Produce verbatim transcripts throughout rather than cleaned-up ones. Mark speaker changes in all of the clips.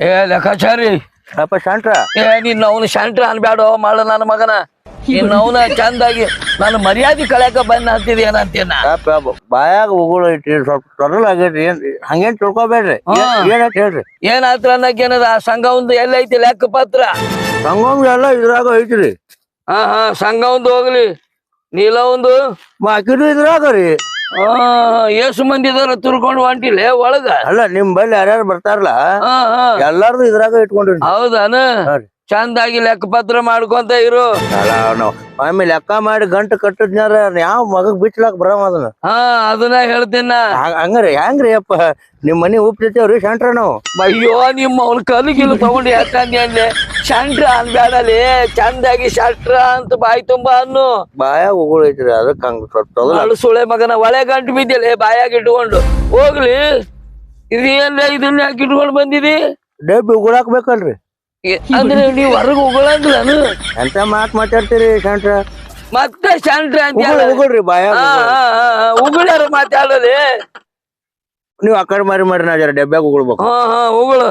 Speaker 1: ಏ ಲೆಕ್ಕಾಚಾರಿ
Speaker 2: ಅಪ್ಪ ಶಾಂಟ್ರ
Speaker 1: ಏ ನೀನ್ ಅವನು ಶಾಂಟ್ರ ಅನ್ಬ್ಯಾಡೋ ಮಾಡ ನನ್ನ ಮಗನ ನೀನ್ ಅವನ ಚಂದಾಗಿ ನಾನು ಮರ್ಯಾದೆ ಕಳ್ಯಾಕ ಬಂದ ಅಂತಿದ್ ಏನಂತೀನ
Speaker 2: ಬಾಯಾಗ ಉಗುಳು ಇಟ್ರಿ ಸ್ವಲ್ಪ ತೊಡಲ್ ಆಗೈತ್ರಿ ಏನ್ ಹಂಗೇನ್ ತಿಳ್ಕೊಬೇಡ್ರಿ ಏನಂತ ಹೇಳ್ರಿ
Speaker 1: ಏನಾತ್ರ ಅನ್ನಕೇನದ ಆ ಸಂಘ ಒಂದು ಎಲ್ಲೈತಿ ಲೆಕ್ಕ ಪತ್ರ
Speaker 2: ಸಂಗಮ್ ಎಲ್ಲ ಇದ್ರಾಗ ಐತ್ರಿ
Speaker 1: ಹಾ ಹಾ ಸಂಘ ಒಂದು ಹೋಗ್ಲಿ ನೀಲ ಒಂದು
Speaker 2: ಬಾಕಿದು ಇದ್ರಾಗ ರೀ
Speaker 1: ಹಾ ಏಸು ಮಂದಿ ಇದಾರ ತುರ್ಕೊಂಡು ಹೊಂಟಿಲ್ಲ ಒಳಗ
Speaker 2: ಅಲ್ಲ ನಿಮ್ ಬಲ್ಲಿ ಯಾರ್ಯಾರು ಬರ್ತಾರಲ್ಲ
Speaker 1: ಹಾ ಹಾ
Speaker 2: ಎಲ್ಲಾರ್ದು ಇದ್ರಾಗ ಇಟ್ಕೊಂಡ್ರಿ
Speaker 1: ಹೌದಾನ ಚಂದಾಗಿ ಲೆಕ್ಕ ಪತ್ರ ಮಾಡ್ಕೊಂತ ಇರು
Speaker 2: ಆಮೇಲೆ ಲೆಕ್ಕ ಮಾಡಿ ಗಂಟು ಕಟ್ಟದ್ನಾರ ಯಾವ ಮಗಗ್ ಬಿಚ್ಲಾಕ್ ಬರವ ಅದನ್ನ
Speaker 1: ಹಾ ಅದನ್ನ ಹೇಳ್ತೀನ
Speaker 2: ಹಂಗ್ರಿ ಹೆಂಗ್ರಿ ಅಪ್ಪ ನಿಮ್ ಮನಿ ಉಪ್ತಿರ್ತೇವ್ರಿ ಶಾಂಟ್ರ ನಾವು
Speaker 1: ಅಯ್ಯೋ ನಿಮ್ಮ ಅವ್ನ ಕಲಿಗಿಲು ತಗೊಂಡು ಯಾಕಂದಿ ಅನ್ಲೆ ಶಾಂಟ್ರ ಅನ್ಬ್ಯಾಡಲಿ ಚಂದಾಗಿ ಶಾಟ್ರ ಅಂತ ಬಾಯಿ ತುಂಬಾ ಅನ್ನು
Speaker 2: ಬಾಯಾಗ ಉಗುಳು ಐತ್ರಿ ಅದಕ್ಕೆ ಹಂಗ
Speaker 1: ಸುಳೆ ಮಗನ ಒಳೆ ಗಂಟು ಬಿದ್ದಿಲ್ಲ ಬಾಯಾಗ ಇಟ್ಕೊಂಡು ಹೋಗ್ಲಿ ಇದೇನ್ಲ ಇದನ್ನ ಯಾಕೆ ಇಟ್ಕೊಂಡು ಬಂದಿದಿ
Speaker 2: ಡಬ್ಬಿ ಉಗುಳಾಕ್ ಬೇಕಲ್ರಿ
Speaker 1: ಅಂದ್ರೆ ನೀವ್ ಹೊರಗ ಉಗುಳಂಗಿಲ್ಲನು
Speaker 2: ಎಂತ ಮಾತ್ ಮಾತಾಡ್ತೀರಿ ಶಾಂಟ್ರ
Speaker 1: ಮತ್ತೆ ಶಾಂಟ್ರ ಅಂತ
Speaker 2: ಉಗುಳ್ರಿ ಬಾಯಾಗ
Speaker 1: ಉಗುಳ್ಯಾರ ಮಾತಾಡಲಿ
Speaker 2: ನೀವ್ ಆ ಕಡೆ ಮಾರಿ ಮಾರಿ ನಾ ಜರ ಡಬ್ಬ್ಯಾಗ ಉಗುಳ್ಬೇಕು
Speaker 1: ಹಾ ಹಾ ಉಗುಳು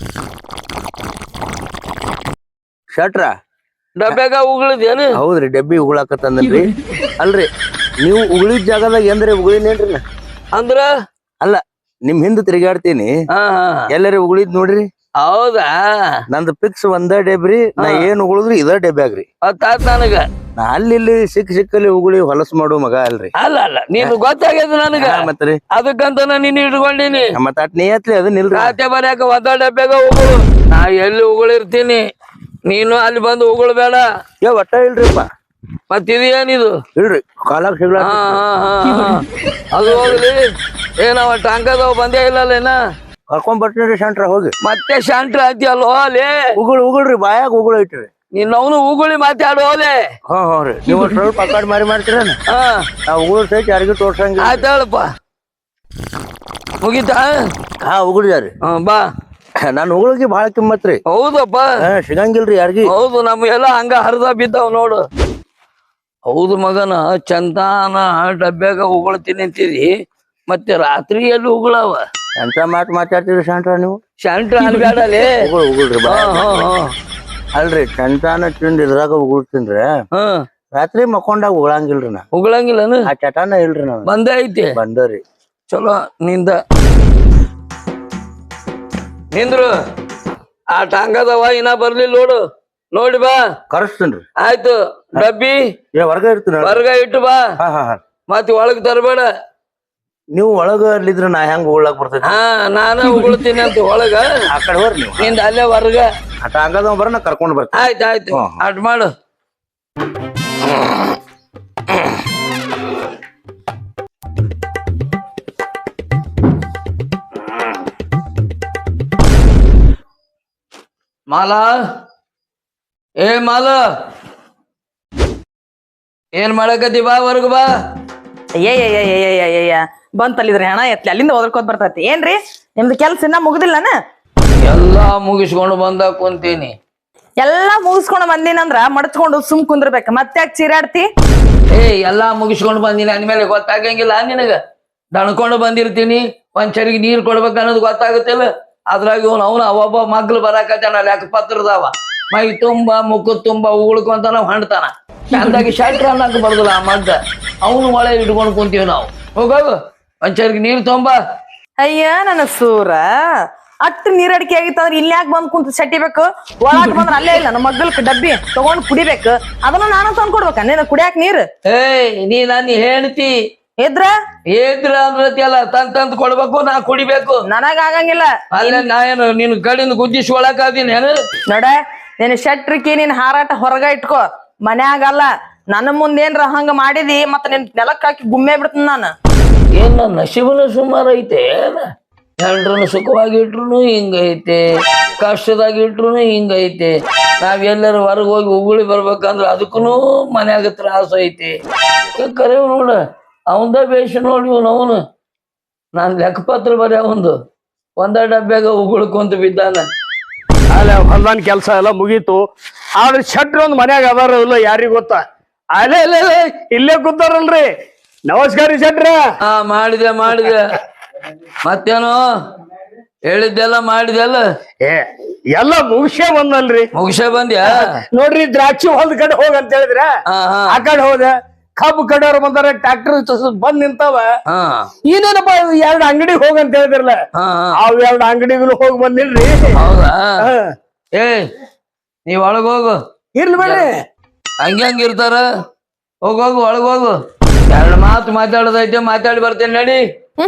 Speaker 2: ಶಟ್ರ
Speaker 1: ಡಬ್ಬ್ಯಾಗ ಉಗುಳಿದೇನು
Speaker 2: ಹೌದ್ರಿ ಡಬ್ಬಿ ಉಗುಳಾಕತ್ತಂದ್ರಿ ಅಲ್ರಿ ನೀವು ಉಗುಳಿದ ಜಾಗದಾಗ ಎಂದ್ರಿ ಉಗುಳಿನೇನ್ರಿ ನಾ
Speaker 1: ಅಂದ್ರ
Speaker 2: ಅಲ್ಲ ನಿಮ್ ಹಿಂದ್ ತಿರುಗಾಡ್ತೀನಿ
Speaker 1: ಹಾ ಹಾ
Speaker 2: ಎಲ್ಲರಿ ಉಗುಳಿದ್ ನೋಡ್ರಿ
Speaker 1: ಹೌದಾ
Speaker 2: ನಂದು ಫಿಕ್ಸ್ ಒಂದ ಡೆಬ್ರಿ ನಾ ಏನ್ ಉಗುಳಿದ್ರಿ ಇದ ಡೆಬ್ಯಾಗ್ರಿ
Speaker 1: ಗೊತ್ತಾತ್ ನನಗ
Speaker 2: ನಾ ಅಲ್ಲಿ ಇಲ್ಲಿ ಸಿಕ್ ಸಿಕ್ಕಲ್ಲಿ ಉಗುಳಿ ಹೊಲಸ್ ಮಾಡು ಮಗ ಅಲ್ರಿ
Speaker 1: ಅಲ್ಲ ಅಲ್ಲ ನೀನು ಗೊತ್ತಾಗ್ಯದ ನನಗ
Speaker 2: ಮತ್ರಿ
Speaker 1: ಅದಕ್ಕಂತ ನಾ ನಿನ್ನ ಇಟ್ಕೊಂಡಿನಿ
Speaker 2: ಮತ್ತ ಅಟ್ ನೀಯತ್ಲಿ ಅದನ್ನಿಲ್ರಿ
Speaker 1: ಖಾತೆ ಬರ್ಯಾಕ ಒಂದ ಡಬ್ಬ್ಯಾಗ ಉಗುಳು ನಾ ಎಲ್ಲಿ ಉಗುಳಿರ್ತೀನಿ ನೀನು ಅಲ್ಲಿ ಬಂದು ಉಗುಳ್ಬೇಡ
Speaker 2: ಏ ಒಟ್ಟ ಇಲ್ರಿಪ್ಪ
Speaker 1: ಮತ್ ಇದೇನಿದು
Speaker 2: ಇಲ್ರಿ ಕಾಲಾಗ ಸಿಗ್ಲ
Speaker 1: ಹಾ ಹಾ ಹಾ ಅದು ಹೋಗ್ಲಿ ಏನವ ಟಾಂಕದವ್ ಬಂದೇ ಇಲ್ಲಲ್ಲೇನ
Speaker 2: ಕರ್ಕೊಂಡ್ ಬರ್ತೀನಿ ಶಾಂಟ್ರ ಹೋಗಿ
Speaker 1: ಮತ್ತೆ ಶಾಂಟ್ರ ಅಂತೀಯಲ್ಲೋ ಅಲ್ಲೇ
Speaker 2: ಉಗುಳು ಉಗುಳ್ರಿ ಬಾಯಾಗ ಉಗುಳು ಐತ್ರಿ
Speaker 1: ನೀನ್ ಅವನು ಉಗುಳಿ ಮಾತಾಡು ಅಲ್ಲೇ
Speaker 2: ಹಾ ಹಾ ರೀ ನೀವು ಸ್ವಲ್ಪ ಆ ಕಡೆ ಮಾರಿ ಮಾಡ್ತೀರೇನ
Speaker 1: ಹಾ
Speaker 2: ನಾ ಉಗುಳು ಸಹಿತ ಯಾರಿಗೂ ತೋರ್ಸಂಗಿಲ್ಲ
Speaker 1: ಆಯ್ತು ಹೇಳಪ್ಪ ಮುಗಿತಾ
Speaker 2: ಹಾ ಉಗುಳಿದಾರಿ
Speaker 1: ಹಾ ಬಾ
Speaker 2: ನಾನ್ ಉಗುಳಿಗೆ ಬಾಳ ಕಿಮ್ಮತ್ರಿ
Speaker 1: ಹೌದಪ್ಪ
Speaker 2: ಸಿಗಂಗಿಲ್ರಿ ಯಾರಿಗಿ
Speaker 1: ಹೌದು ನಮ್ಗೆಲ್ಲ ಹಂಗ ಹರಿದ ಬಿದ್ದಾವ್ ನೋಡು ಹೌದು ಮಗನ ಚಂದಾನ ಡಬ್ಬ್ಯಾಗ ಉಗುಳ್ತೀನಿ ಅಂತಿದಿ ಮತ್ತೆ ರಾತ್ರಿ ಎಲ್ಲಿ ಉಗುಳವ
Speaker 2: ಎಂತ ಮಾತು ಮಾತಾಡ್ತೀರಿ ಶಾಂಟ್ರ ನೀವು
Speaker 1: ಶಾಂಟ್ರ ಅನ್ಬ್ಯಾಡಲಿ
Speaker 2: ಉಗುಳು ಉಗುಳ್ರಿ
Speaker 1: ಹಾ ಹಾ ಹಾ
Speaker 2: ಅಲ್ರಿ ಚಂತಾನ ತಿಂದ್ ಇದ್ರಾಗ ಉಗುಳ್ತೀನ್ರಿ
Speaker 1: ಹಾ
Speaker 2: ರಾತ್ರಿ ಮಕ್ಕೊಂಡಾಗ ಉಗುಳಂಗಿಲ್ರಿ ನಾ
Speaker 1: ಉಗುಳಂಗಿಲ್ಲನು
Speaker 2: ಆ ಚಟಾನ ಇಲ್ರಿ ನಾವ್
Speaker 1: ಬಂದೇ ಐತಿ
Speaker 2: ಬಂದರಿ
Speaker 1: ಚಲೋ ನಿಂದ ನಿಂದ್ರು ಆ ಟಾಂಗದವ ಇನ್ನ ಬರ್ಲಿಲ್ಲ ನೋಡು ನೋಡಿ ಬಾ
Speaker 2: ಕರೆಸ್ತೇನ್ರಿ
Speaker 1: ಆಯ್ತು ಡಬ್ಬಿ
Speaker 2: ಏ ಹೊರಗ ಇರ್ತೀನಿ
Speaker 1: ಹೊರಗ ಇಟ್ಟು ಬಾ
Speaker 2: ಹಾ ಹಾ ಹಾ
Speaker 1: ಮತ್ ಒಳಗ್ ತರಬೇಡ
Speaker 2: ನೀವು ಒಳಗ ಅಲ್ಲಿದ್ರ ನಾ ಹೆಂಗ್ ಉಗುಳಾಕ್ ಬರ್ತೈತಿ
Speaker 1: ಹಾ ನಾನ ಉಗುಳ್ತೀನಿ ಅಂತ ಒಳಗ
Speaker 2: ಆ ಕಡೆ ಹೋರಿ ನೀವು
Speaker 1: ನಿಂದ ಅಲ್ಲೇ ಹೊರಗ
Speaker 2: ಆ ಟಾಂಗದವ ಬರ ನಾ ಕರ್ಕೊಂಡ್ ಬರ್ತೀನಿ
Speaker 1: ಆಯ್ತು ಆಯ್ತು ಅಟ್ ಮಾಡು ಮಾಲಾ ಏ ಮಾಲ ಏನ್ ಮಾಡಕತ್ತಿ ಬಾ ಹೊರಗ ಬಾ
Speaker 3: ಅಯ್ಯಯ್ಯಯ್ಯಯ್ಯಯ್ಯಯ್ಯ ಬಂತಲ್ಲಿದ್ರಿ ಹಣ ಎತ್ಲಿ ಅಲ್ಲಿಂದ ಓದ್ಕೋತ್ ಬರ್ತೈತಿ ಏನ್ರಿ ನಿಮ್ದು ಕೆಲ್ಸ ಇನ್ನ ಮುಗುದಿಲ್ಲನ
Speaker 1: ಎಲ್ಲಾ ಮುಗಿಸ್ಕೊಂಡು ಬಂದ ಕುಂತೀನಿ
Speaker 3: ಎಲ್ಲಾ ಮುಗಿಸ್ಕೊಂಡು ಬಂದಿನಂದ್ರ ಮಡಚ್ಕೊಂಡು ಸುಮ್ ಕುಂದ್ರಬೇಕ ಮತ್ತೆ ಯಾಕೆ ಚೀರಾಡ್ತಿ
Speaker 1: ಏ ಎಲ್ಲಾ ಮುಗಿಸ್ಕೊಂಡು ಬಂದಿನಿ ಅಂದ್ಮೇಲೆ ಗೊತ್ತಾಗಂಗಿಲ್ಲ ನಿನಗ ದಣ್ಕೊಂಡು ಬಂದಿರ್ತೀನಿ ಒಂದ್ ಚರಿಗೆ ನೀರ್ ಕೊಡ್ಬೇಕ ಅನ್ನೋದು ಗೊತ್ತಾಗುತ್ತಿಲ್ಲ ಅದ್ರಾಗ ಇವನು ಅವನು ಅವೊಬ್ಬ ಮಗ್ಳು ಬರಾಕತ್ತಾನ ಲೆಕ್ಕ ಪತ್ರದವ ಮೈ ತುಂಬಾ ಮುಖ ತುಂಬಾ ಉಗುಳ್ಕೊಂತ ನಾವ್ ಹಣ್ತಾನ ಚಂದಾಗಿ ಶಟ್ರ ಅನ್ನಕ್ ಬರ್ದಲ್ಲ ಆ ಮಗ್ಗ ಅವನು ಒಳೆ ಇಟ್ಕೊಂಡು ಕುಂತೀವಿ ನಾವು ಹೋಗೋಗು ಒಂದ್ ಚರಿಗೆ ನೀರ್ ತೊಂಬ
Speaker 3: ಅಯ್ಯ ನನ್ನ ಸೂರ ಅಟ್ಟು ನೀರಡಿಕೆ ಆಗಿತ್ತಂದ್ರ ಇಲ್ಲಿ ಯಾಕೆ ಬಂದ್ ಕುಂತ ಸಟ್ಟಿಬೇಕು ಒಳಗ್ ಬಂದ್ರ ಅಲ್ಲೇ ಇಲ್ಲ ನಮ್ಮ ಮಗ್ಗಲ್ಕ ಡಬ್ಬಿ ತಗೊಂಡ್ ಕುಡಿಬೇಕು ಅದನ್ನ ನಾನು ತಂದ್ ಕೊಡ್ಬೇಕ ನೀನ್ ಕುಡಿಯಾಕ ನೀರ್
Speaker 1: ಏಯ್ ನೀ ನನ್ನ ಹೇಳ್ತಿ
Speaker 3: ಇದ್ರ
Speaker 1: ಏದ್ರ ಅಂದ್ರತಿಯಲ್ಲ ತಂದ್ ತಂದ್ ಕೊಡ್ಬೇಕು ನಾ ಕುಡಿಬೇಕು
Speaker 3: ನನಗ ಆಗಂಗಿಲ್ಲ
Speaker 1: ಅಲ್ಲೇ ನಾ ಏನು ನಿನ್ ಕಡೆಯಿಂದ ಗುದ್ದಿಸಿ ಒಳಕಾದೀನಿ ಏನು
Speaker 3: ನೋಡ ನೀನ್ ಶಟ್ರಿಕಿ ನೀನ್ ಹಾರಾಟ ಹೊರಗ ಇಟ್ಕೋ ಮನ್ಯಾಗಲ್ಲ ನನ್ನ ಮುಂದೇನ್ರ ಹಂಗ ಮಾಡಿದಿ ಮತ್ತ ನಿನ್ ನೆಲಕ್ ಹಾಕಿ ಗುಮ್ಮೆ ಬಿಡ್ತೀನಿ ನಾನು
Speaker 1: ಏನ್ ನನ್ನ ನಶೀಬನ ಸುಮಾರು ಐತೆ ಹೆಂಡ್ರನ್ನ ಸುಖವಾಗಿ ಇಟ್ರು ಹಿಂಗೈತೆ ಕಷ್ಟದಾಗ ಇಟ್ರು ಹಿಂಗೈತೆ ನಾವ್ ಎಲ್ಲರೂ ಹೊರಗೆ ಹೋಗಿ ಉಗುಳಿ ಬರ್ಬೇಕಂದ್ರ ಅದಕ್ಕೂ ಮನ್ಯಾಗ ತ್ರಾಸ ಐತಿ ಕರೆ ನೋಡ ಅವಂದ ಬೇಷ ನೋಡಿ ಇವನು ಅವನು ನಾನ್ ಲೆಕ್ಕಪತ್ರ ಬರೀ ಅವಂದು ಒಂದ ಡಬ್ಬ್ಯಾಗ ಉಗುಳ್ಕೊಂತ ಬಿದ್ದಾನ
Speaker 4: ಅಲ್ಲ ಹೊಲ್ದಾನ್ ಕೆಲ್ಸ ಎಲ್ಲ ಮುಗೀತು ಆದ್ರೆ ಶಟ್ರ ಒಂದ್ ಮನ್ಯಾಗ ಅದಾರ ಇಲ್ಲ ಯಾರಿಗ ಗೊತ್ತಾ ಅಲ್ಲೇ ಇಲ್ಲೇ ಇಲ್ಲೇ ಕೂತಾರಲ್ರಿ ನಮಸ್ಕಾರ ಶಟ್ರ
Speaker 1: ಹಾ ಮಾಡಿದೆ ಮಾಡಿದೆ ಮತ್ತೇನು ಹೇಳಿದ್ದೆಲ್ಲ ಮಾಡಿದೆಲ್ಲ
Speaker 4: ಏ ಎಲ್ಲ ಮುಗಿಸೇ ಬಂದಲ್ರಿ.
Speaker 1: ಮುಗಿಸೇ ಬಂದ್ಯಾ?
Speaker 4: ನೋಡ್ರಿ ದ್ರಾಕ್ಷಿ ಹೊಲದ ಕಡೆ ಹೋಗ ಅಂತ ಹೇಳಿದ್ರ
Speaker 1: ಹಾ ಹಾ
Speaker 4: ಆ ಕಡೆ ಹೋದ. ಕಬ್ಬು ಕಡೆಯವ್ರು ಬಂದಾರ, ಟ್ರಾಕ್ಟರ್ ಬಂದ್ ನಿಂತಾವ.
Speaker 1: ಹಾ
Speaker 4: ಇನ್ನೇನಪ್ಪ ಎರಡ್ ಅಂಗಡಿ ಹೋಗ ಅಂತ ಹೇಳಿದ್ರಲ್ಲ,
Speaker 1: ಹಾ ಹಾ
Speaker 4: ಅವ್ ಎರಡ್ ಅಂಗಡಿಗಳು ಹೋಗಿ ಬಂದಿಲ್ರಿ.
Speaker 1: ಹೌದಾ?
Speaker 4: ಹಾ.
Speaker 1: ಏ ನೀವ್ ಒಳಗ್ ಹೋಗು.
Speaker 4: ಇರ್ಲಿ ಬೇಡ್ರಿ,
Speaker 1: ಹಂಗೆ ಹಂಗ ಇರ್ತಾರ. ಹೋಗೋಗು ಒಳಗ್ ಹೋಗು. ಎರಡು ಮಾತು ಮಾತಾಡೋದೈತೆ, ಮಾತಾಡಿ ಬರ್ತೇನೆ ನಡಿ.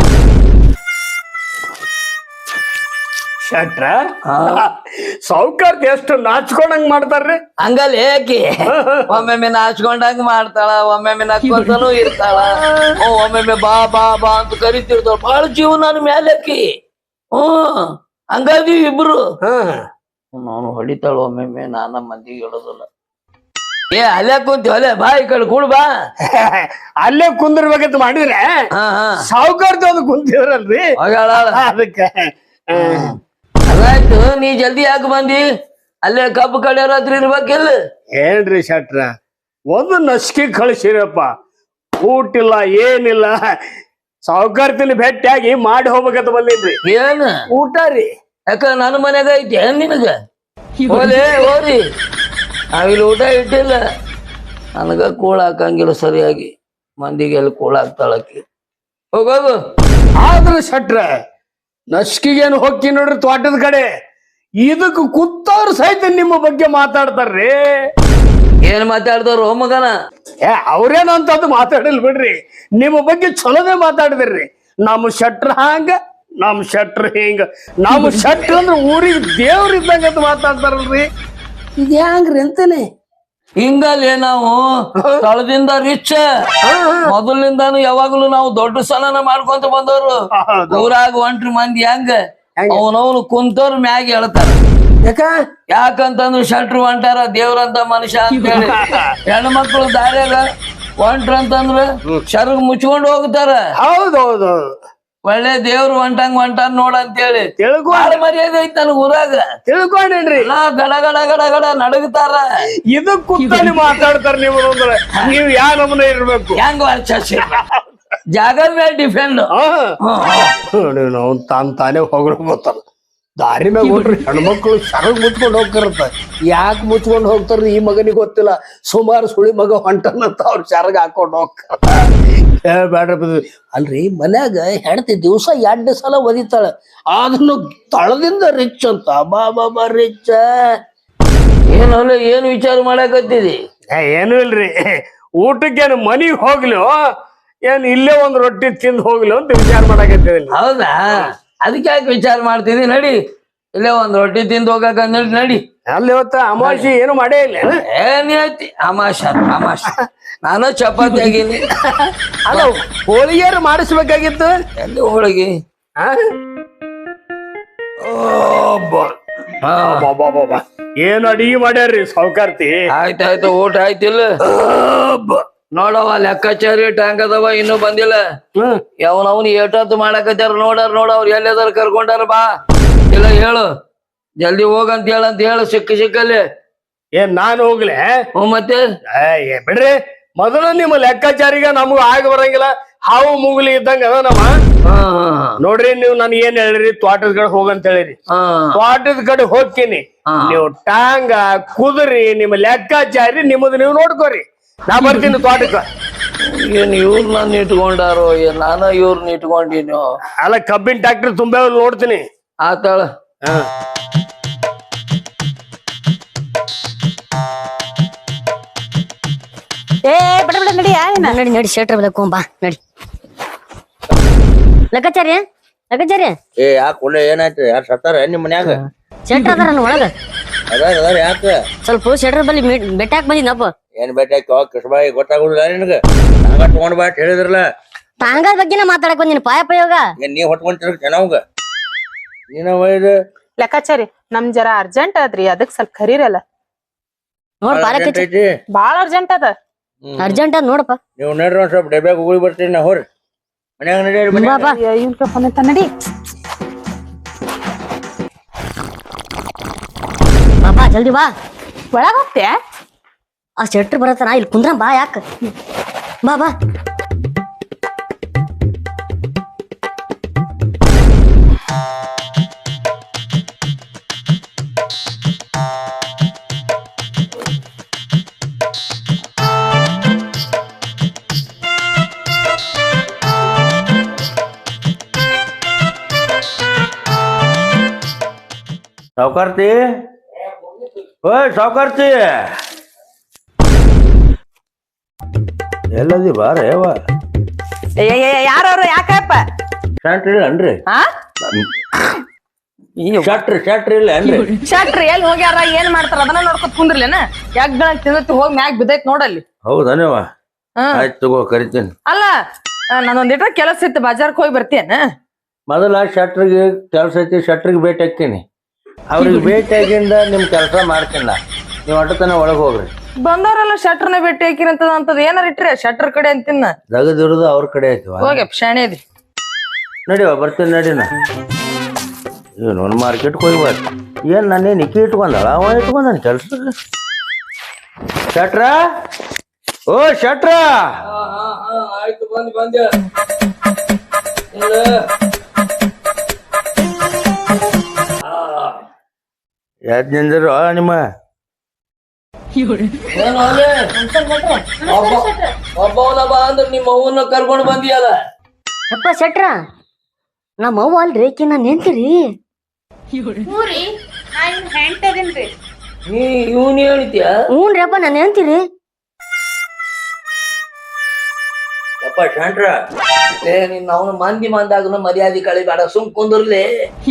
Speaker 4: ಶಟ್ರ ಸಾವ್ಕಾರ್ತಿ ಎಷ್ಟು ನಾಚ್ಕೊಂಡಂಗ್ ಮಾಡ್ತಾರ್ರಿ.
Speaker 1: ಹಂಗಲ್ಲ ಏಕಿ ಒಮ್ಮೊಮ್ಮೆ ನಾಚ್ಕೊಂಡಂಗ ಮಾಡ್ತಾಳ, ಒಮ್ಮೊಮ್ಮೆ ನಕ್ಕೊಂತಾನು ಇರ್ತಾಳ, ಒಮ್ಮೊಮ್ಮೆ ಬಾ ಬಾ ಬಾ ಅಂತ ಕರಿತಿರ್ತಾಳ. ಬಾಳ ಜೀವನ ಮೇಲಕ್ಕಿ. ಹ್ಮ್ ಹಂಗಾದೀವಿ ಇಬ್ರು. ನಾನು ಹೊಡಿತಾಳ ಒಮ್ಮೊಮ್ಮೆ, ನಾನ ಮಂದಿಗೆ ಹೇಳೋದಿಲ್ಲ. ಏ ಅಲ್ಲೇ ಕುಂತಿ ಅಲ್ಲೇ ಬಾ, ಈ ಕಡೆ ಕೂಡ್ ಬಾ.
Speaker 4: ಅಲ್ಲೇ ಕುಂದಿರ್ಬೇಕಂತ ಮಾಡಿದ್ರೆ
Speaker 1: ಹಾ ಹಾ
Speaker 4: ಸಾವ್ಕಾರ್ತಿ ಒಂದು ಕುಂತಿದ್ರಲ್ರಿ,
Speaker 1: ಹೋಗ್ಯಾಳ.
Speaker 4: ಅದಕ್ಕೆ.
Speaker 1: ಅದಾಯ್ತು, ನೀ ಜಲ್ದಿ ಯಾಕೆ ಬಂದಿ? ಅಲ್ಲೇ ಕಬ್ಬು ಕಡೆ ರಾತ್ರಿ ಇರ್ಬೇಕಿಲ್ಲ.
Speaker 4: ಏನ್ರಿ ಶಟ್ರ, ಒಂದು ನಸ್ಕಿ ಕಳಿಸಿರಪ್ಪ, ಊಟಿಲ್ಲ ಏನಿಲ್ಲ. ಸಾವ್ಕಾರ್ತಿನ ಭೇಟಿಯಾಗಿ ಮಾಡಿ ಹೋಗ್ಬೇಕಂತ ಬಂದಿದ್ರಿ.
Speaker 1: ಏನ್
Speaker 4: ಊಟ ರೀ?
Speaker 1: ಯಾಕ ನನ್ನ ಮನ್ಯಾಗ ಐತಿ ಏನ್ ನಿನಗ? ಹೋಲಿ ಹೋರಿ, ನಾವಿಲ್ಲಿ ಊಟ ಇಟ್ಟಿಲ್ಲ. ನನಗ ಕೂಳ ಹಾಕಂಗಿಲ್ಲ ಸರಿಯಾಗಿ, ಮಂದಿಗೆ ಎಲ್ಲಿ ಕೂಳ ಹಾಕ್ತಾಳಕಿ. ಹೋಗೋಗು.
Speaker 4: ಆದ್ರ ಶಟ್ರ ನಸ್ಕಿಗೇನು ಹೋಗಿ ನೋಡ್ರಿ ತೋಟದ ಕಡೆ, ಇದಕ್ ಕುತ್ತವ್ರ ಸಹಿತ ನಿಮ್ಮ ಬಗ್ಗೆ ಮಾತಾಡ್ತಾರ್ರಿ.
Speaker 1: ಏನ್ ಮಾತಾಡ್ತಾರ ಮಗನ?
Speaker 4: ಏ ಅವ್ರೇನಂತದ್ದು ಮಾತಾಡಿಲ್ ಬಿಡ್ರಿ, ನಿಮ್ಮ ಬಗ್ಗೆ ಚಲೋದೇ ಮಾತಾಡಿದ್ರಿ. ನಮ್ಮ ಶಟ್ರ ಹಂಗ, ನಮ್ ಶಟ್ರ ಹಿಂಗ, ನಮ್ಮ ಶಟ್ರ ಅಂದ್ರೆ ಊರಿಗೆ ದೇವ್ರ ಇದ್ದಂಗ ಅಂತ ಮಾತಾಡ್ತಾರಲ್ರಿ. ಇದು ಹ್ಯಾಂಗ್ರಿ ಅಂತಾನೆ.
Speaker 1: ಹಿಂಗಲ್ಲೇ ನಾವು ಸ್ಥಳದಿಂದ ರಿಚ್, ಮೊದಲಿಂದಾನು ಯಾವಾಗ್ಲೂ ನಾವು ದೊಡ್ಡ ಸಲನ ಮಾಡ್ಕೊಂತ ಬಂದವ್ರು. ಊರಾಗ ಒಂಟ್ರಿ ಮಂದಿ ಹೆಂಗ ಅವನವನು ಕುಂತವ್ರ ಮ್ಯಾಗ ಹೇಳ್ತಾರ.
Speaker 4: ಯಾಕ
Speaker 1: ಯಾಕಂತಂದ್ರ ಶಟ್ರು ಹೊಂಟಾರ ದೇವ್ರಂತ ಮನುಷ್ಯ ಅಂತ ಹೇಳಿ. ಹೆಣ್ಣು ಮಕ್ಳು ದಾರ್ಯಾಗ ಹೊಂಟ್ರ ಅಂತಂದ್ರ ಶರ್ಗ್ ಮುಚ್ಕೊಂಡ್ ಹೋಗ್ತಾರ.
Speaker 4: ಹೌದೌದು,
Speaker 1: ಒಳ್ಳೆ ದೇವ್ರು ಹೊಂಟಂಗ್ ಹೊಂಟಾನ್ ನೋಡ ಅಂತೇಳಿ
Speaker 4: ತಿಳ್ಕೊ
Speaker 1: ಬಾಳ ಮರ್ಯಾದೆ ಐತಿ ನನ್ ಊರಾಗ.
Speaker 4: ತಿಳ್ಕೊಂಡೇನ್ರಿ,
Speaker 1: ಎಲ್ಲಾ ಗಡ ಗಡ ಗಡ ಗಡ ನಡಗ್ತಾರ.
Speaker 4: ಇದು ಕುತ್ತಲ್ಲಿ ಮಾತಾಡ್ತಾರ ನೀವು ಅಂದ್ರೆ ನೀವ್ ಯಾ ನಮೂನೆ ಇರ್ಬೇಕು.
Speaker 1: ಹೆಂಗ್ ವರ್ಚಸ್ ಜಾಗ ಮೇಲೆ ಡಿಫೆಂಡ್.
Speaker 4: ನಾವು ತಾನ್ ತಾನೇ ಹೋಗ್ರ ಗೊತ್ತಾರ. ದಾರಿ ಮ್ಯಾಗ ಹೋಗ್ರಿ ಹೆಣ್ಮಕ್ಳು ಸರಗ್ ಮುಚ್ಕೊಂಡ್ ಹೋಗ್ತಾರತ್ತ. ಯಾಕೆ ಮುಚ್ಕೊಂಡ್ ಹೋಗ್ತಾರ ಈ ಮಗನಿಗೆ ಗೊತ್ತಿಲ್ಲ. ಸುಮಾರು ಸುಳಿ ಮಗ ಹೊಂಟನಂತ ಅವ್ರ ಸರಗ್ ಹಾಕೊಂಡ್ ಹೋಗ್ತಾರ. ಏ ಬ್ಯಾಡ್ರಿ, ಅಲ್ರಿ ಮನ್ಯಾಗ ಹೆಂಡತಿ ದಿವ್ಸ ಎರಡ್ ಸಲ ಒದಿತಾಳ, ಅದನ್ನು ತಳದಿಂದ ರಿಚ್ ಅಂತ. ಬಾ ಬಾ ಬಾ ರಿಚ್.
Speaker 1: ಏನಲ್ಲ ಏನ್ ವಿಚಾರ ಮಾಡಕತ್ತಿದಿ?
Speaker 4: ಏನು ಇಲ್ರಿ, ಊಟಕ್ಕೇನು ಮನಿಗ್ ಹೋಗ್ಲಿ ಏನ್ ಇಲ್ಲೇ ಒಂದ್ ರೊಟ್ಟಿ ತಿಂದು ಹೋಗ್ಲಿ ಅಂತ ವಿಚಾರ ಮಾಡಕತ್ತಿದ್ದೀನಿ.
Speaker 1: ಹೌದಾ? ಅದಕ್ಕೆ ಯಾಕೆ ವಿಚಾರ ಮಾಡ್ತಿದಿ? ನಡಿ ಇಲ್ಲೇ ಒಂದ್ ರೊಟ್ಟಿ ತಿಂದು ಹೋಗಕ ನಡಿ ನಡಿ.
Speaker 4: ಅಲ್ಲಿ ಇವತ್ತ ಅಮಾವಾಸ್ಯೆ ಏನು ಮಾಡೇ ಇಲ್ಲ.
Speaker 1: ಏನ್ ಹೇಳ್ತಿ? ಅಮಾಶ ಅಮಾಶ ನಾನು ಚಪಾತಿ ಆಗೀನಿ.
Speaker 4: ಅಲ್ಲ ಹೋಳಿಗೆಯಾರು ಮಾಡಿಸ್ಬೇಕಾಗಿತ್ತು.
Speaker 1: ಎಲ್ಲಿ ಹೋಳಿಗೆ?
Speaker 4: ಏನ್ ಅಡಿಗೆ ಮಾಡ್ಯಾರ್ರಿ ಸಾವ್ಕಾರ್ತಿ?
Speaker 1: ಆಯ್ತಾಯ್ತು, ಊಟ ಆಯ್ತಿಲ್ಲ? ನೋಡವ ಲೆಕ್ಕಾಚಾರಿ ಟ್ಯಾಂಕ್ ಅದಾವ, ಇನ್ನೂ ಬಂದಿಲ್ಲ. ಯಾವನವ್ನು ಏಟತ್ತು ಮಾಡಕತ್ತಾರ ನೋಡಾರ. ನೋಡ ಅವ್ರು ಎಲ್ಲದಾರ ಕರ್ಕೊಂಡಾರ. ಬಾ ಇಲ್ಲ ಹೇಳು, ಜಲ್ದಿ ಹೋಗಂತ ಹೇಳಂತ ಹೇಳು. ಸಿಕ್ಕ ಸಿಕ್ಕಲ್ಲಿ
Speaker 4: ಏನ್ ನಾನು ಹೋಗ್ಲೆ?
Speaker 1: ಹ್ಞೂ ಮತ್ತೆ
Speaker 4: ಏ ಬಿಡ್ರಿ, ಮೊದಲು ನಿಮ್ಮ ಲೆಕ್ಕಾಚಾರಿಗ ನಮಗ ಆಗ ಬರಂಗಿಲ್ಲ. ಹಾವು ಮುಂಗುಲಿ ಇದ್ದಂಗ ಅದ ನಮ್ಮ. ನೋಡ್ರಿ ನೀವು ನನ್ ಏನ್ ಹೇಳಿರಿ, ತೋಟದ ಕಡೆ ಹೋಗಂತ ಹೇಳಿರಿ. ತೋಟದ ಕಡೆ ಹೋಗ್ತೀನಿ, ನೀವು ಟಾಂಗ ಕುದುರಿ ನಿಮ್ಮ ಲೆಕ್ಕಾಚಾರಿ ನಿಮ್ಮದು ನೀವು ನೋಡ್ಕೋರಿ. ನಾ ಬರ್ತೀನಿ ತೋಟಕ್ಕ.
Speaker 1: ಏನ್ ಇವ್ರನ್ನ ಇಟ್ಕೊಂಡಾರೋ ಏನ್ ನಾನ ಇವ್ರನ್ನ ಇಟ್ಕೊಂಡಿನೋ?
Speaker 4: ಅಲ್ಲ ಕಬ್ಬಿನ ಟ್ಯಾಕ್ಟರ್ ತುಂಬಾ ನೋಡ್ತೀನಿ.
Speaker 1: ಆತಾಳ.
Speaker 3: ಏ ಬಿಡ ಬಿಡ ನಡಿ.
Speaker 5: ನಡಿ ನಡಿ ಶೆಟ್ರ ಬದಕ್ ಬಾ ನಡಿ. ಲೆಕ್ಕಾಚಾರ್ಯ ಲೆಕ್ಕಾಚಾರ್ಯ
Speaker 2: ಏ ಯಾಕೆ ಒಳ್ಳೆ ಏನಾಯ್ತು? ಯಾರು ಸತ್ತಾರ ನಿಮ್ ಮನ್ಯಾಗ?
Speaker 5: ಶೆಟ್ರ ಅದಾರ ಒಳಗ.
Speaker 2: ಅದಾರ ಅದಾರ ಯಾಕ?
Speaker 5: ಸ್ವಲ್ಪ ಶೆಟ್ರ ಬಲ್ಲಿ ಬೆಟ್ಟಾಕ್ ಬಂದಿನಪ್ಪ.
Speaker 2: ಏನ್ ಬೇಟಾಕಿ ಕೃಷ್ಣಬಾಯಿ ಗೊತ್ತಾಗುದಿಲ್ಲ ನಿನಗ? ಹಂಗ ತಗೊಂಡ್ ಬಾ ಹೇಳಿದ್ರಲ್ಲ.
Speaker 5: ತಾಂಗದ ಬಗ್ಗೆನ ಮಾತಾಡಕ್ ಬಂದಿನ ಪಾಯ ಪ್ರಯೋಗ.
Speaker 2: ಏನ್ ನೀ ಹೊಟ್ಕೊಂತಿರ ಚೆನ್ನಾಗ ನೀನ ಒಯ್ದು
Speaker 3: ಲೆಕ್ಕಾಚಾರಿ ನಮ್ ಜರ ಅರ್ಜೆಂಟ್ ಅದ್ರಿ, ಅದಕ್ ಸ್ವಲ್ಪ ಕರೀರಲ್ಲ.
Speaker 5: ನೋಡ್ ಪಾಲಕ್
Speaker 2: ಐತಿ
Speaker 3: ಬಾಳ ಅರ್ಜೆಂಟ್ ಅದ.
Speaker 5: ಅರ್ಜೆಂಟ್ ಅದ್ ನೋಡಪ್ಪ.
Speaker 2: ನೀವು ನಡ್ರಿ ಒಂದ್ ಸ್ವಲ್ಪ ಡಬ್ಯಾಗ ಹೋಗಿ ಬರ್ತೀನಿ ನಾ. ಹೋರಿ ಮನ್ಯಾಗ ನಡೀರಿ.
Speaker 5: ಬಾಬಾ
Speaker 3: ಇವ್ನ್ ಕರ್ಕೊಂಡ್ ನಡಿ.
Speaker 5: ಬಾಬಾ ಜಲ್ದಿ ಬಾ.
Speaker 3: ಒಳಗ ಹೋಗ್ತೆ?
Speaker 5: ಆ ಶೆಟ್ರ್ ಬರತ್ತಾನ, ಇಲ್ಲಿ ಕುಂದ್ರ ಬಾ. ಯಾಕ ಬಾ ಬಾ.
Speaker 2: ಸಾವುಕಾರ್ತಿ ಓಯ್ ಸಾವುಕಾರ್ತಿ ಎಲ್ಲದಿ ಬಾರ ಯಾವ
Speaker 3: ಯಾರವ್ರು ಯಾಕಪ್ಪ
Speaker 2: ಶಟ್ರ್ ಇಲ್ಲ ಅನ್ರಿ
Speaker 3: ಹಾ
Speaker 2: ಶಟ್ರ್ ಶಟ್ರ್ ಇಲ್ಲ ಅನ್ರಿ
Speaker 3: ಶಟ್ರ್ ಎಲ್ಲಿ ಹೋಗ್ಯಾರ ಏನ್ ಮಾಡ್ತಾರ ಅದನ್ನ ನೋಡ್ಕೊತ ಕುಂದ್ರಲೇನ ಯಾಕ ತಿಂದತಿ ಹೋಗಿ ಮ್ಯಾಗ್ ಬಿದ್ದೈತ್ ನೋಡಲ್ಲಿ
Speaker 2: ಹೌದನೇವ
Speaker 3: ಹಾ
Speaker 2: ಆಯ್ತು ತಗೋ ಕರಿತೀನಿ
Speaker 3: ಅಲ್ಲ ನಾನೊಂದ್ ಇಟ್ರ ಕೆಲಸ ಇತ್ತು ಬಜಾರ್ಕ್ ಹೋಗಿ ಬರ್ತೇನ
Speaker 2: ಮೊದಲ ಶಟ್ರಿಗೆ ಕೆಲಸ ಐತಿ ಶಟ್ರಿಗೆ ಭೇಟಿ ಹಾಕ್ತೀನಿ ಅವ್ರಿಗೆ ಭೇಟಿ ಆಗಿಂದ ನಿಮ್ ಕೆಲಸ ಮಾಡ್ತೀನಿ ನಾ ನೀವು ಅಟತನ ಒಳಗೆ ಹೋಗ್ರಿ
Speaker 3: ಬಂದವರೆಲ್ಲ ಶಟ್ರನ ಭೇಟಿ ಹಾಕಿರಂತದ ಅಂತದ್ ಏನಾರ ಇಟ್ರಿ ಶಟ್ರ್ ಕಡೆ ಅಂತಿನ್ನ
Speaker 2: ದಗದಿರೋದು ಅವ್ರ ಕಡೆ ಐತಿವ
Speaker 3: ಹೋಗ್ಯಪ್ಪ ಶಾಣೆ ಅದಿ
Speaker 2: ನಡಿವ ಬರ್ತೀನಿ ನಡಿನ ಏನು ಒಂದು ಮಾರ್ಕೆಟ್ಗೆ ಹೋಗ್ಬಾರ್ದು ಏನ್ ನಾನೇ ನಿಕ್ಕಿ ಇಟ್ಕೊಂಡಳ ಅವ ಇಟ್ಕೊಂಡಾನ ಕೆಲ್ಸಕ್ಕೆ ಶಟ್ರ ಓ ಶಟ್ರ
Speaker 1: ಆಯ್ತು ಬಂದ್ ಬಂದೆ
Speaker 2: ಯಾದ್ ನಿಂದ್ರು ನಿಮ್ಮ
Speaker 1: ಏನು ಅಲ್ಲೇ ಒಬ್ಬ ಒಬ್ಬವನ ಬಾ ಅಂದ್ರೆ ನಿಮ್ಮ ಅವ್ವನ್ನ ಕರ್ಕೊಂಡು ಬಂದಿಯಲ್ಲ
Speaker 5: ಅಪ್ಪ ಶೆಟ್ರ ನಮ್ಮ ಅವ್ವ ಅಲ್ರಿ ಆಕಿ ನಾನ್ ನೆನ್ತಿರಿ
Speaker 6: ಹೂರಿ ನಾ ಇವ್ನ ಹೆಂಡ್ತಿ ಅದೀನ್ರಿ.
Speaker 1: ನೀ ಇವನ್ ಹೇಳ್ತೀಯ
Speaker 5: ಹ್ಞೂನ್ರಿ ಅಪ್ಪ ನಾನ್ ನೆನ್ತಿರಿ
Speaker 2: ಅಪ್ಪ ಶಟ್ರ
Speaker 1: ಏ ನಿನ್ನ ಅವನು ಮಂದಿ ಮಂದಾಗನು ಮರ್ಯಾದೆ ಕಳಿಬೇಡ ಸುಮ್ ಕುಂದ್ರಲಿ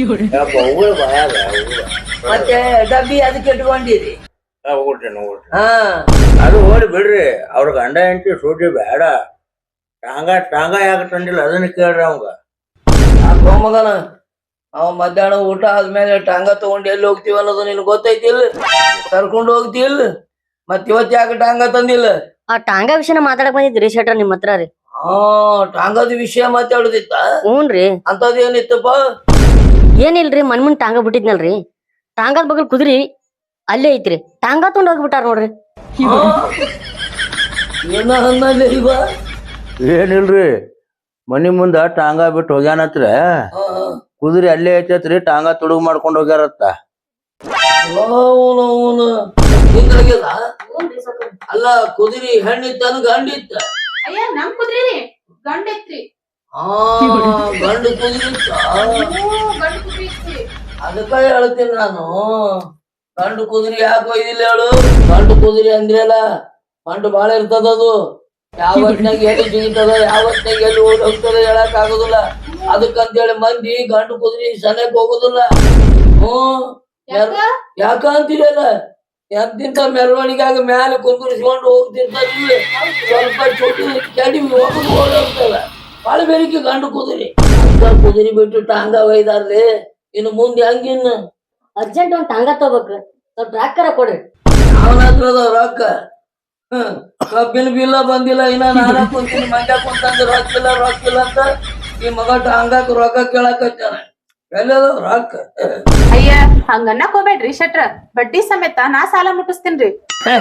Speaker 1: ಮತ್ತೆ ಡಬ್ಬಿ ಅದಕ್ಕೆ ಇಟ್ಕೊಂಡಿರಿ ಹಾ
Speaker 2: ಅದು ಓಡಿ ಬಿಡ್ರಿ ಅವ್ರ ಗಂಡ ಹೆಂಡತಿ ಸೂಟಿ ಬೇಡ ಟಾಂಗ ಟಾಂಗ ಯಾಕೆ ತಂದಿಲ್ಲ ಅದನ್ನ ಕೇಳ್ರಿ ಅವಂಗ
Speaker 1: ಆ ಮಗನ ಅವ ಮಧ್ಯಾಹ್ನ ಊಟ ಆದ್ಮೇಲೆ ಟಾಂಗ ತಗೊಂಡು ಎಲ್ಲಿ ಹೋಗ್ತೀವಿ ಅನ್ನೋದು ನಿನ್ ಗೊತ್ತೈತಿ ಇಲ್ಲ ಕರ್ಕೊಂಡು ಹೋಗ್ತಿಲ್ಲ ಮತ್ ಇವತ್ ಯಾಕೆ ಟಾಂಗ ತಂದಿಲ್ಲ
Speaker 5: ಆ ಟಾಂಗ ವಿಷಯನ ಮಾತಾಡಕ್ ಬಂದಿದ್ರಿ ಶೆಟ್ರ ನಿಮ್ ಹತ್ರ ರೀ
Speaker 1: ಹಾ ಟಾಂಗದ ವಿಷಯ ಮಾತಾಡುದಿತ್ತ
Speaker 5: ಹ್ಞೂನ್ರಿ
Speaker 1: ಅಂತದ್ ಏನಿತ್ತಪ್ಪ
Speaker 5: ಏನಿಲ್ರಿ ಮನ್ ಮುಂದ್ ಟಾಂಗ ಬಿಟ್ಟಿದ್ನಲ್ರಿ ಟಾಂಗದ ಬಗಲ್ ಕುದ್ರಿ ಅಲ್ಲೇ ಐತ್ರಿ ಟಾಂಗ ತಗೊಂಡ್ ಹೋಗ್ಬಿಟ್ಟಾರ ನೋಡ್ರಿ
Speaker 1: ಏನ ಅನ್ನಲ್ಲ ಇವ
Speaker 2: ಏನಿಲ್ರಿ ಮನಿ ಮುಂದ ಟಾಂಗ ಬಿಟ್ಟು ಹೋಗ್ಯಾನತ್ರ ಕುದುರೆ ಅಲ್ಲೇ ಐತತ್ರಿ ಟಾಂಗ ತುಡುಗ್ ಮಾಡ್ಕೊಂಡ್ ಹೋಗ್ಯಾರತ್ತ
Speaker 1: ಅಲ್ಲ ಕುದುರಿ ಹೆಣ್ಣಿತ್ತನ ಗಂಡಿತ್ತ
Speaker 6: ಅಯ್ಯ ನಮ್ ಕುದ್ರಿ ಗಂಡ ಐತ್ರಿ.
Speaker 1: ಹಾ ಗಂಡು ಕುದುರಿ ಇತ್ತ
Speaker 6: ಹ್ಞೂ, ಗಂಡ ಕುದ್ರಿ ಐತ್ರಿ.
Speaker 1: ಅದಕ್ಕ ಹೇಳ್ತೀನಿ ನಾನು ಗಂಡು ಕುದುರೆ ಯಾಕೆ ಒಯ್ದಿಲ್ಲ ಹೇಳು ಗಂಡು ಕುದುರೆ ಅಂದ್ರಲ್ಲ ಗಂಡು ಬಾಳ ಇರ್ತದ ಅದು ಯಾವ ಹೊತ್ನಾಗ ಎಲ್ಲಿ ಜಿಗಿತದ ಯಾವ ಹೊತ್ನಾಗ ಎಲ್ಲಿ ಓಡಿ ಹೋಗ್ತದ ಹೇಳಕ್ ಆಗುದಿಲ್ಲ ಅದಕ್ಕಂತೇಳಿ ಮಂದಿ ಗಂಡು ಕುದುರೆ ಸನಕ್ ಹೋಗುದಿಲ್ಲ ಹ್ಮ್ ಯಾಕ ಅಂತೀರಲ್ಲ ಎಂತಿಂತ ಮೆರವಣಿಗೆಯಾಗ ಮ್ಯಾಲೆ ಕುಂಕುರಿಸ್ಕೊಂಡು ಹೋಗ್ತಿರ್ತಾರಿಲ್ಲ ಸ್ವಲ್ಪ ಚೋಟಿ ಕೆಡಿ ಹೋಗುದು ಓಡಿ ಹೋಗ್ತದ ಬಾಳ ಬೇಡಿಕೆ ಗಂಡು ಕುದುರೆ ಅಂತ ಕುದುರೆ ಬಿಟ್ಟು ಟಾಂಗ ಒಯ್ದಾರ್ಲಿ ಇನ್ನು ಮುಂದೆ ಹಂಗಿನ್ನು
Speaker 5: ಅರ್ಜೆಂಟ್ ಒಂದ್ ಟಾಂಗ ತಗೋಬೇಕ್ರಿ ಸ್ವಲ್ಪ ರಾಕರ ಕೊಡ್ರಿ
Speaker 1: ಅವನ ಹತ್ರ ಅದಾವ ರೊಕ್ಕ ಹ್ಮ್ ಕಬ್ಬಿನ ಬಿಲ್ಲ ಬಂದಿಲ್ಲ ಇನ್ನ ನಾನ ಕುಂತೀನಿ ಮಂಡ್ಯ ಕುಂತಂದ್ರೆ ರೊಕ್ಕ ಇಲ್ಲ ರೊಕ್ಕ ಇಲ್ಲ ಅಂತ ಈ ಮಗ ಟಾಂಗಾಕ್ ರೊಕ್ಕ ಕೇಳಕತ್ತಾನ ಎಲ್ಲದಾವ ರೊಕ್ಕ
Speaker 6: ಅಯ್ಯ ಹಂಗನ್ನಕ್ ಹೋಗ್ಬೇಡ್ರಿ ಶೆಟ್ರ ಬಡ್ಡಿ ಸಮೇತ ನಾ ಸಾಲ ಮುಟ್ಟಿಸ್ತೀನ್ರಿ.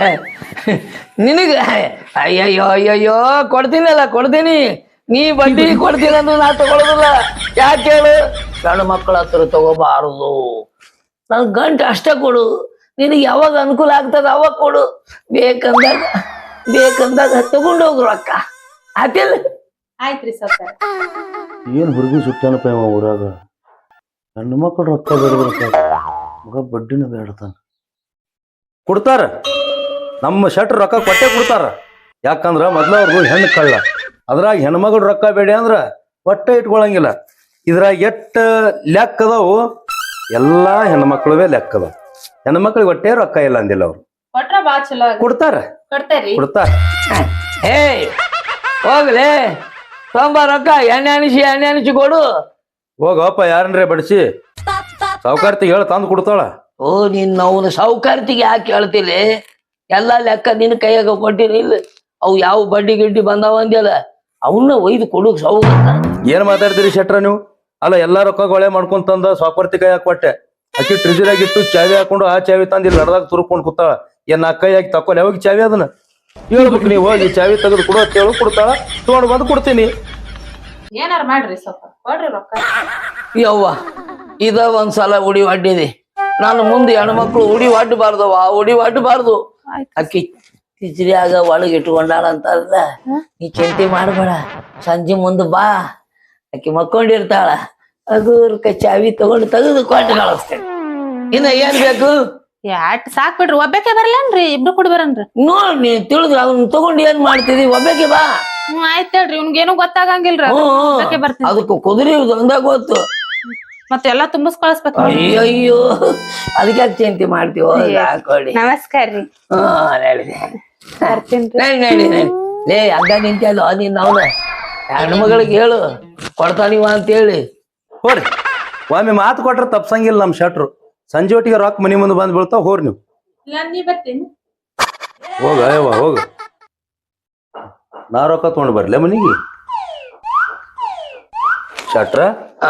Speaker 1: ನಿನಗ ಅಯ್ಯಯ್ಯೋ ಅಯ್ಯಯ್ಯೋ ಕೊಡ್ತೀನಲ್ಲ ಕೊಡ್ತೀನಿ ನೀ ಬಡ್ಡಿ ಕೊಡ್ತೀನಿ ಅಂದ್ರೆ ನಾ ತಗೊಳೋದಿಲ್ಲ ಯಾಕೆ ಹೇಳು ಗಂಡು ಮಕ್ಕಳ ಹತ್ರ ತಗೋಬಾರದು ನನ್ ಗಂಟು ಅಷ್ಟೇ ಕೊಡು ನಿನಗೆ ಯಾವಾಗ ಅನುಕೂಲ ಆಗ್ತದ ಅವಾಗ ಕೊಡು ಬೇಕಂದಾಗ ಬೇಕಂದಾಗ ತಗೊಂಡು ಹೋಗ್ರು ರೊಕ್ಕ ಆತಿಲ್ಲ
Speaker 6: ಆಯ್ತ್ರಿ ಸರ್.
Speaker 2: ಏನ್ ಹುಡುಗಿ ಸುತ್ತಾನಪ್ಪ ಇವ ಊರಾಗ ಹೆಣ್ಣು ಮಕ್ಕಳು ರೊಕ್ಕ ಬೇಡ ಮಗ ಬಡ್ಡಿನ ಬೇಡತಾನ ಕೊಡ್ತಾರ ನಮ್ಮ ಶೆಟ್ರ್ ರೊಕ್ಕ ಕೊಟ್ಟೆ ಕೊಡ್ತಾರ ಯಾಕಂದ್ರ ಮೊದ್ಲ ಅವ್ರದ್ದು ಹೆಣ್ಣು ಕಳ್ಳ ಅದ್ರಾಗ ಹೆಣ್ಮಗಳು ರೊಕ್ಕ ಬೇಡ ಅಂದ್ರ ಹೊಟ್ಟೆ ಇಟ್ಕೊಳಂಗಿಲ್ಲ ಇದ್ರಾಗ ಎಷ್ಟ ಲೆಕ್ಕ ಅದಾವು ಎಲ್ಲಾ ಹೆಣ್ಮಕ್ಳುವೇ ಲೆಕ್ಕ ಅದಾವ ಹೆಣ್ಮಕ್ಳಿಗೆ ಹೊಟ್ಟೆ ರೊಕ್ಕ ಇಲ್ಲ ಅಂದಿಲ್ಲ ಅವ್ರು
Speaker 6: ಕೊಟ್ರ ಬಾಳ್ ಚಲೋ ಆಗಿ
Speaker 2: ಕೊಡ್ತಾರ
Speaker 6: ಕೊಡ್ತೇರಿ.
Speaker 2: ಕೊಡ್ತಾರ
Speaker 1: ಏ ಹೋಗ್ಲಿ ತೊಂಬ ರೊಕ್ಕ ಎಣ್ಣೆ ಅನಿಸಿ ಎಣ್ಣೆ ಅನಿಸಿ ಕೊಡು
Speaker 2: ಹೋಗಪ್ಪ ಯಾರನ್ರೇ ಬಡಿಸಿ ಸಾವುಕಾರ್ತಿಗೆ ಹೇಳ ತಂದು ಕೊಡ್ತಾಳ
Speaker 1: ಓ ನಿನ್ನ ಅವನು ಸಾವುಕಾರ್ತಿಗೆ ಯಾಕೆ ಹೇಳ್ತಿಲ್ಲ ಎಲ್ಲಾ ಲೆಕ್ಕ ನಿನ್ನ ಕೈಯಾಗ ಕೊಟ್ಟಿನಿ ಇಲ್ಲ ಅವು ಯಾವ ಬಡ್ಡಿ ಗಿಡ್ಡಿ ಬಂದಾವ ಅಂದ್ಯಲ್ಲ ಅವನ್ನ ಒಯ್ದು ಕೊಡುಕ್ ಸಾವುಕಾರ್ತ
Speaker 2: ಏನ್ ಮಾತಾಡ್ತೀರಿ ಶೆಟ್ರ ನೀವು ಅಲ್ಲ ಎಲ್ಲಾ ರೊಕ್ಕ ಗೊಳೆ ಮಾಡ್ಕೊಂತಂದ ಸಾವುಕಾರ್ತಿ ಕೈ ಕೊಟ್ಟೆ ಅಕ್ಕಿ ಟ್ರಿಜರಾಗಿಟ್ಟು ಚಾವಿ ಹಾಕೊಂಡು ಆ ಚಾವಿ ತಂದು ಇಲ್ಲಿ ನಡ್ದಾಗ ತುರ್ಕೊಂಡು ಕೂತಾಳ ಏನ್ ನಾ ಕೈ ಹಾಕಿ ತಕೊಂಡ್ ಯಾವಾಗ ಚಾವಿ ಅದನ್ನ ಹೇಳ್ಬೇಕು ನೀವು ಹೋಗಿ ಚಾವಿ ತೆಗೆದು ಕೊಡು ಅಂತ ಹೇಳು ಕೊಡ್ತಾಳ ತಗೊಂಡು ಬಂದು ಕೊಡ್ತೀನಿ
Speaker 6: ಏನಾರ ಮಾಡ್ರಿ ಸ್ವಲ್ಪ ಕೊಡ್ರಿ ರೊಕ್ಕ.
Speaker 1: ಯವ್ವ ಇದ ಒಂದ್ಸಲ ಉಡಿ ಒಡ್ಡಿದೆ ನಾನು ಮುಂದೆ ಹೆಣ್ಮಕ್ಳು ಉಡಿ ಒಡ್ಡಬಾರ್ದವ ಉಡಿ ಒಡ್ಡಬಾರ್ದು ಅಕ್ಕಿ ಕಿಚರಿಯಾಗ ಒಳಗೆ ಇಟ್ಕೊಂಡಾಳ ಅಂತಾರಲ್ಲ ನೀ ಚಿಂತೆ ಮಾಡಬೇಡ ಸಂಜೆ ಮುಂದೆ ಬಾ ಅಕ್ಕಿ ಮಕ್ಕೊಂಡಿರ್ತಾಳ ಅದು ಚಾವಿ ತಗೊಂಡು ತೆಗೆದು ಕೊಟ್ಟು ಕಳಿಸ್ತೇನೆ ಇನ್ನ ಏನ್ ಬೇಕು?
Speaker 6: ಯಾಟ್ ಸಾಕ್ ಬಿಡ್ರಿ ಒಬ್ಬಾಕೆ ಬರ್ಲೇನ್ರಿ ಇಬ್ರು ಕೂಡ ಬರನ್ರಿ.
Speaker 1: ನೋಡ್ ನೀ ತಿಳಿದ್ರ ಅವ್ನ ತಗೊಂಡ್ ಏನ್ ಮಾಡ್ತಿದಿ? ಒಬ್ಬಾಕೆ ಬಾ.
Speaker 6: ಹ್ಮ್ ಆಯ್ತ್ ಹೇಳ್ರಿ ಇವ್ನ್ಗೇನು ಗೊತ್ತಾಗಂಗಿಲ್ರಿ
Speaker 1: ಹ್ಮ್,
Speaker 6: ಒಬ್ಬಾಕೆ
Speaker 1: ಹ್ಮ್.
Speaker 6: ಬರ್ತೀನಿ.
Speaker 1: ಅದಕ್ಕೆ ಕುದುರೆ ಒಂದಾಗ ಗೊತ್ತು.
Speaker 6: ಮತ್ತೆಲ್ಲಾ ತುಂಬಿಸ್ ಕಳಿಸ್ಬೇಕು.
Speaker 1: ಅಯ್ಯೋ ಅಯ್ಯೋ ಅದಕ್ಕೆ ಯಾಕೆ ಚಿಂತೆ ಮಾಡ್ತೀವೋ ಹಾಕೊಳ್ಳಿ.
Speaker 6: ನಮಸ್ಕಾರ ರೀ.
Speaker 1: ಹಾ ನಡಿ
Speaker 6: ಬರ್ತೀನ್ರಿ.
Speaker 1: ನಡಿ ನಡಿ ನಡಿ. ಲೇ ಅಗ್ಗ ನಿಂತಲ್ಲ ನೀನ್ ಅವನ ಹೆಣ್ಮಗಳಿಗೆ ಹೇಳು ಕೊಡ್ತಾನಿವ ಅಂತ ಹೇಳಿ.
Speaker 2: ಹೋರಿ ಒಮ್ಮೆ ಮಾತು ಕೊಟ್ರೆ ತಪ್ಸಂಗಿಲ್ಲ ನಮ್ ಶೆಟ್ರು. ಸಂಜೆ ಒಟ್ಟಿಗೆ ರೊಕ್ಕ ಮನಿ ಮುಂದೆ ಬಂದ್ ಬೀಳ್ತಾವ. ಹೋರಿ ನೀವು
Speaker 6: ಇಲ್ಲ ನೀ ಬರ್ತೀನಿ.
Speaker 2: ಹೋಗ ಅಯ್ಯವ್ವ ಹೋಗ. ನಾ ರೊಕ್ಕ ತಗೊಂಡ್ ಬರ್ಲೆ ಮನಿಗೆ. ಶೆಟ್ರ
Speaker 1: ಆ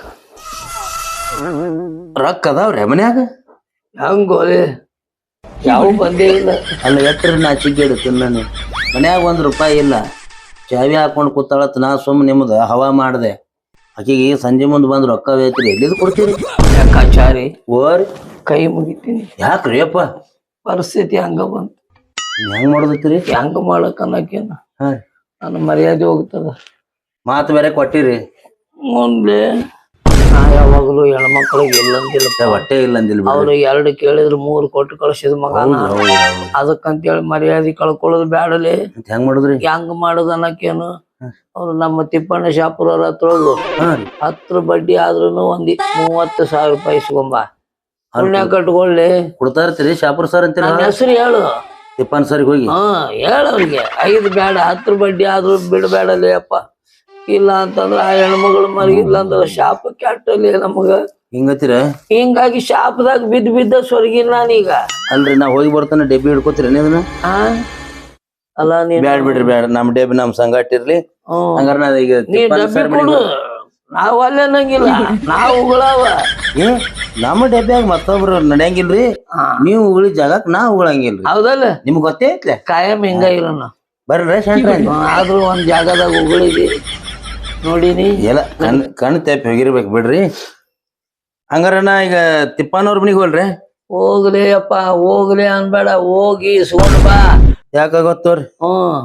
Speaker 2: ರೊಕ್ಕ ಅದಾವ್ರೆ ಮನ್ಯಾಗ?
Speaker 1: ಹಂಗೋಲೆ ಯಾವ ಬಂದೇ ಇಲ್ಲ.
Speaker 2: ಅಲ್ಲ ಎಟ್ರಿ ನಾ ಚಿಗ್ಗೇಡು ತಿನ್ನ ಮನ್ಯಾಗ ಒಂದ್ ರೂಪಾಯಿ ಇಲ್ಲ. ಚಾವಿ ಹಾಕೊಂಡ್ ಕೂತಾಳತ್ ನಾ ಸುಮ್ ನಿಮ್ದ ಹವಾ ಮಾಡ್ದೆ. ಆಕಿಗೆ ಸಂಜೆ ಮುಂದ್ ಬಂದ್ ರೊಕ್ಕ ಬೇಕ್ರಿ ಎಲ್ಲಿದ್ ಕೊಡ್ತೀರಿ?
Speaker 1: ಲೆಕ್ಕಾಚಾರಿ
Speaker 2: ಓರಿ
Speaker 1: ಕೈ ಮುಗಿತೀನಿ.
Speaker 2: ಯಾಕ್ರಿ ಅಪ್ಪ
Speaker 1: ಪರಿಸ್ಥಿತಿ ಹಂಗ ಬಂತು.
Speaker 2: ಹೆಂಗ್ ಮಾಡದತ್ತೀರಿ?
Speaker 1: ಹೆಂಗ ಮಾಡಕ್ ಅನ್ನಕೇನ
Speaker 2: ಹಾ
Speaker 1: ನನ್ನ ಮರ್ಯಾದೆ ಹೋಗ್ತದ.
Speaker 2: ಮಾತು ಬೇರೆ ಕೊಟ್ಟಿರಿ.
Speaker 1: ಮುಂದೆ ನಾ ಯಾವಾಗಲೂ ಹೆಣ್ಮಕ್ಳಿಗೆ ಇಲ್ಲಂತಿಲ್ಲ.
Speaker 2: ಹೊಟ್ಟೆ ಇಲ್ಲ ಅಂದಿಲ್ ಬಿಡ್ರಿ.
Speaker 1: ಅವ್ರು ಎರಡು ಕೇಳಿದ್ರು ಮೂರು ಕೊಟ್ಟು ಕಳ್ಸಿದ ಮಗನ. ಅದಕ್ಕಂತೇಳಿ ಮರ್ಯಾದೆ ಕಳ್ಕೊಳ್ಳೋದು ಬ್ಯಾಡಲೆ.
Speaker 2: ಹೆಂಗ್ ಮಾಡುದ್ರಿ?
Speaker 1: ಹೆಂಗ್ ಮಾಡುದ ಅನ್ನಕೇನು ಅವ್ರು ನಮ್ಮ ತಿಪ್ಪಣ್ಣ ಶಾಪುರವ್ರ ಹತ್ರ ಹೋಗು.
Speaker 2: ಹಾ ರೀ
Speaker 1: ಹತ್ರ ಬಡ್ಡಿ ಆದ್ರೂನು ಒಂದಿ ಮೂವತ್ತು ಸಾವಿರ ರೂಪಾಯಿ ಇಸ್ಕೊಂಬ. ಪುಣ್ಯ ಕಟ್ಕೊಳ್ಳಿ.
Speaker 2: ಕೊಡ್ತಾ ಇರ್ತೀರಿ ಶಾಪುರ್ ಸರ್ ಅಂತೀರ?
Speaker 1: ನನ್ನ ಹೆಸರು ಹೇಳು.
Speaker 2: ತಿಪ್ಪನ್ ಸರ್ಗೆ ಹೋಗಿ
Speaker 1: ಹಾ ಹೇಳವ್ರಿಗೆ ಐದು ಬೇಡ ಹತ್ರ ಬಡ್ಡಿ ಆದ್ರೂ ಬಿಡಬೇಡಲಿ ಅಪ್ಪ. ಇಲ್ಲ ಅಂತಂದ್ರ ಆ ಹೆಣ್ಮಗಳು ಮರಗಿಲ್ಲ ಅಂದ್ರ ಶಾಪ ಕೆಟ್ಟಲಿ ನಮಗ.
Speaker 2: ಹಿಂಗತ್ತೀರ?
Speaker 1: ಹಿಂಗಾಗಿ ಶಾಪದಾಗ ಬಿದ್ದ ಬಿದ್ದ ಸ್ವರ್ಗಿನ ನಾನೀಗ.
Speaker 2: ಅಲ್ರಿ ನಾ ಹೋಗಿ ಬರ್ತಾನೆ ಡೆಬ್ಬಿ ಹಿಡ್ಕೋತೀರಿ ಅದನ್ನ?
Speaker 1: ಆ ಅಲ್ಲ ನೀನ್
Speaker 2: ಬ್ಯಾಡ್ ಬಿಡ್ರಿ ಬ್ಯಾಡ. ನಮ್ ಡೆಬ್ಬಿ ನಮ್ ಸಂಗಾಟ ಇರ್ಲಿ.
Speaker 1: ಹ್ಮ್
Speaker 2: ಹಂಗಾರ ನಾ ಈಗ
Speaker 1: ನೀ
Speaker 2: ತಿಪ್ಪನ್
Speaker 1: ಡಬ್ಬಿ
Speaker 2: ಸರ್
Speaker 1: ಕೊಡು. ನಾವ್ ಅಲ್ಲೇ ನಂಗಿಲ್ಲ ನಾವು ಉಗಳವ.
Speaker 2: ಏ ನಮ್ಮ ಡೆಬ್ಬ್ಯಾಗ ಮತ್ತೊಬ್ರು ನಡೆಯಂಗಿಲ್ರಿ. ನೀವು ಉಗುಳಿ ಜಾಗಕ್ ನಾ ಉಗಳಂಗಿಲ್ರಿ.
Speaker 1: ಹೌದಲ್ಲ
Speaker 2: ನಿಮ್ಗ್ ಗೊತ್ತೇ ಐತ್ಲೆ
Speaker 1: ಕಾಯಂ ಹಿಂಗ ಇರೋಣ.
Speaker 2: ಬರ್ರಿ ಶೆಟ್ರ.
Speaker 1: ಆದ್ರೂ ಒಂದ್ ಜಾಗದಾಗ ಉಗಳಿದಿ ನೋಡಿನಿ.
Speaker 2: ಎಲ್ಲ ಕಣ್ ಕಣ್ ತೆಪ್ಪಿ ಹೋಗಿರ್ಬೇಕು ಬಿಡ್ರಿ. ಹಂಗಾರ ನಾ ಈಗ ತಿಪ್ಪನವ್ರ ಮನಿಗ್ ಹೋಲ್ರಿ.
Speaker 1: ಹೋಗ್ಲಿ ಅಪ್ಪ ಹೋಗ್ಲಿ ಅನ್ಬೇಡ, ಹೋಗಿ ಇಸ್ಕೊಂಡ್ ಬಾ.
Speaker 2: ಯಾಕ ಗೊತ್ತವ್ರಿ?
Speaker 1: ಹ್ಮ್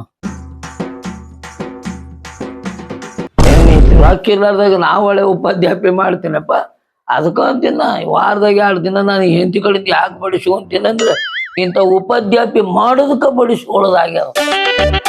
Speaker 1: ರೊಕ್ಕ ಇರ್ಲಾರ್ದಾಗ ನಾವ್ ಒಳ್ಳೆ ಉಪಾಧ್ಯಾಪಿ ಮಾಡ್ತೀನಪ್ಪ. ಅದಕ್ಕ ಅಂತೀನ ವಾರದಾಗ ಎರಡು ದಿನ ನಾನು ಹೆಂಡತಿ ಕಡೆಯಿಂದ ಯಾಕೆ ಬಡಿಸ್ಕೊಂತೀನಿ ಅಂದ್ರೆ ಇಂಥ ಉಪಾಧ್ಯಾಪಿ ಮಾಡೋದಕ್ಕ ಬಡಿಸ್ಕೊಳ್ಳೋದಾಗ್ಯಾವ.